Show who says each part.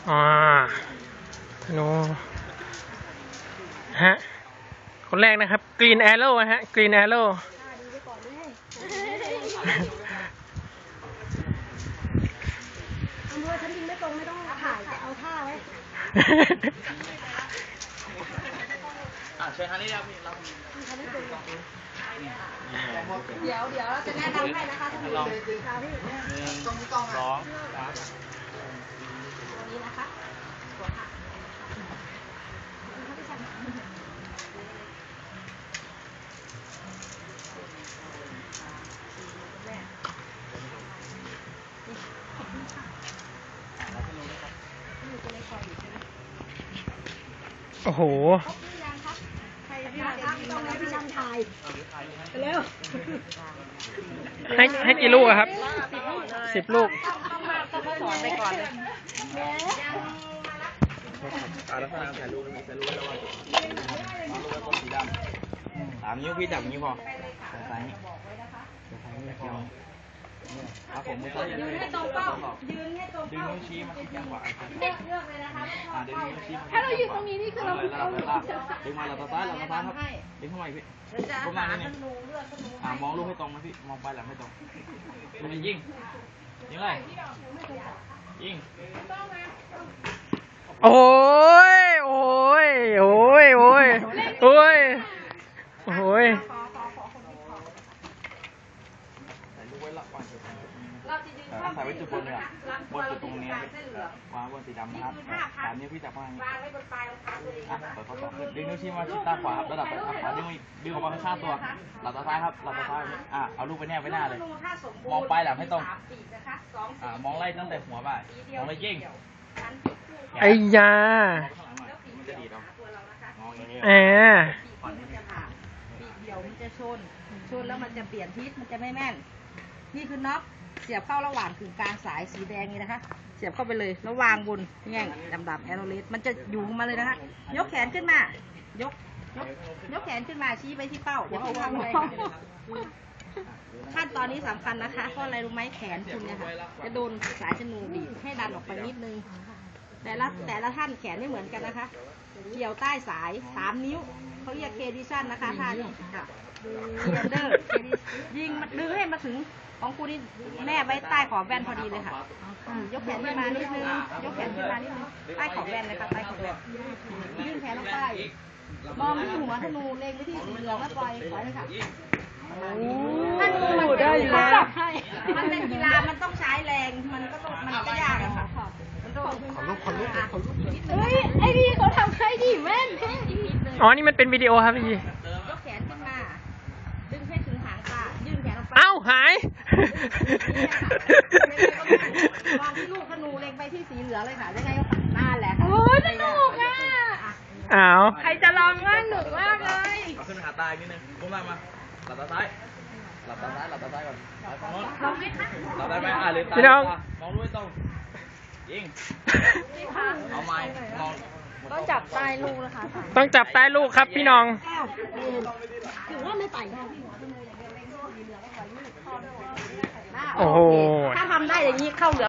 Speaker 1: อ๋อธนูฮะคนแรกนะครับ Green Arrow ฮะ Green Arrow
Speaker 2: อำเภอฉันยิงไม่ตรงไม่ต้องถ่ายแต่เอาท่าไว้
Speaker 3: ช่วยทางนี้ครับพี่เรา
Speaker 2: เดี๋ยวเราจะแนะนำให้นะคะท่านผู้ชมค่ะพี่
Speaker 3: สองสาม
Speaker 2: ตัวนี้นะคะตัวค่ะ
Speaker 1: โอ้โห
Speaker 2: ต้องให้พี่ชันถ่ายเร็ว
Speaker 1: ให้กี่ลูกอะครับ10 ลูก
Speaker 2: สอนไปก่อนเลย
Speaker 3: ลักษณะถ่ายรูปแล้วว่ารูปต้นสีดำ3 นิ้วพี่จับอย่างนี้พอซ้ายนี้เกี่ยวครับผมมือซ้ายยืนให้ตรงเป้ายืนให้ตรงเป้าดึงนิ้วชี้มาที่แก้มขวาเลือกเลยนะคะดึงนิ้วชี้ถ้าเรายืนตรงนี้นี่คือเราดึงมาเราตาซ้ายครับดึงเข้ามาอีกพี่ก้มหน้านิดนึงมองลูกให้ตรงนะพี่มองไปหลังให้ตรงยิงเลยยิง
Speaker 1: โอ้ยโอ้ยโอ้ยโอ้ยโอ้ยโอ้ย
Speaker 3: ใส่ไว้จุดบนเลยอ่ะบนจุดตรงนี้วางบนสีดำนะครับ3 นิ้วพี่จับวางไว้บนปลายรองเท้าตัวเองเปิดข้อศอกดึงนิ้วชี้มาชิดตาขวาครับระดับขวาดึงออกมาข้างตัวหลับตาซ้ายครับหลับตาซ้ายเอาลูกไปแนบไว้หน้าเลยมองปลายหลังให้ตรงมองไล่ตั้งแต่หัวไปมองเลยยิง
Speaker 1: ไอ้ยาแอ
Speaker 2: เดี๋ยวมันจะชนแล้วมันจะเปลี่ยนทิศมันจะไม่แม่นนี่คือน็อตเสียบเข้าระหว่างกึ่งกลางสายสีแดงนี่นะคะเสียบเข้าไปเลยแล้ววางบนแง่งดำๆแอโรเลสมันจะอยู่มาเลยนะคะยกแขนขึ้นมายกแขนขึ้นมาชี้ไปที่เป้าเดี๋ยวเอาวางไว้ขั้นตอนนี้สำคัญนะคะเพราะอะไรรู้ไหมแขนคุณเนี่ยค่ะจะโดนสายชนูบีบให้ดันออกไปนิดนึงแต่ละท่านแขนไม่เหมือนกันนะคะเกี่ยวใต้สาย3 นิ้วเขาเรียกเคดิชันนะคะท่านี้ค่ะเดอร์ยิงดึงให้มาถึงของคุณนี่แนบไว้ใต้ขอบแว่นพอดีเลยค่ะยกแขนขึ้นมานิดนึงยกแขนขึ้นมานิดนึงใต้ขอบแว่นเลยค่ะใต้ขอบแว่นยื่นแขนลงไปมองที่หัวธนูเล็งไปที่สีเหลืองแล้วปล่อยเลยค่ะธนูมันได้อยู่แล้วมันเป็นกีฬามันต้องใช้แรงมันก็ยากอะค่ะคนลุก
Speaker 4: เฮ้ยไอ้นี่เขาทำให้ดีแม่น
Speaker 1: อ๋อนี่มันเป็นวิดีโอครับพี่
Speaker 2: ยกแขนขึ้นมาดึงให้ถึงหางตายื่นแขนลงไป
Speaker 1: เอ้าหาย
Speaker 2: มองที่ลูกธนูเล็งไปที่สีเหลืองเลยค่ะยังไงก็น่าแหละ
Speaker 4: โอ้ยสนุกอ่ะ
Speaker 1: อ้าว
Speaker 4: ใครจะลองว่าหนุกมากเลย
Speaker 3: ขึ้นหาตาอีกนิดนึงก้มหน้ามาหลับตาซ้ายก่อนหลับได้ไหมลืมตามองลูกให้ตรงยิงเอาไม้มอง
Speaker 4: ต้องจับใต้ลูกนะคะ
Speaker 1: ต้องจับใต้ลูกครับพี่น้อง
Speaker 2: ถือว่าไม่ไป
Speaker 1: โอ้โห
Speaker 2: ถ้าทำได้อย่างนี้เข้าเหลือ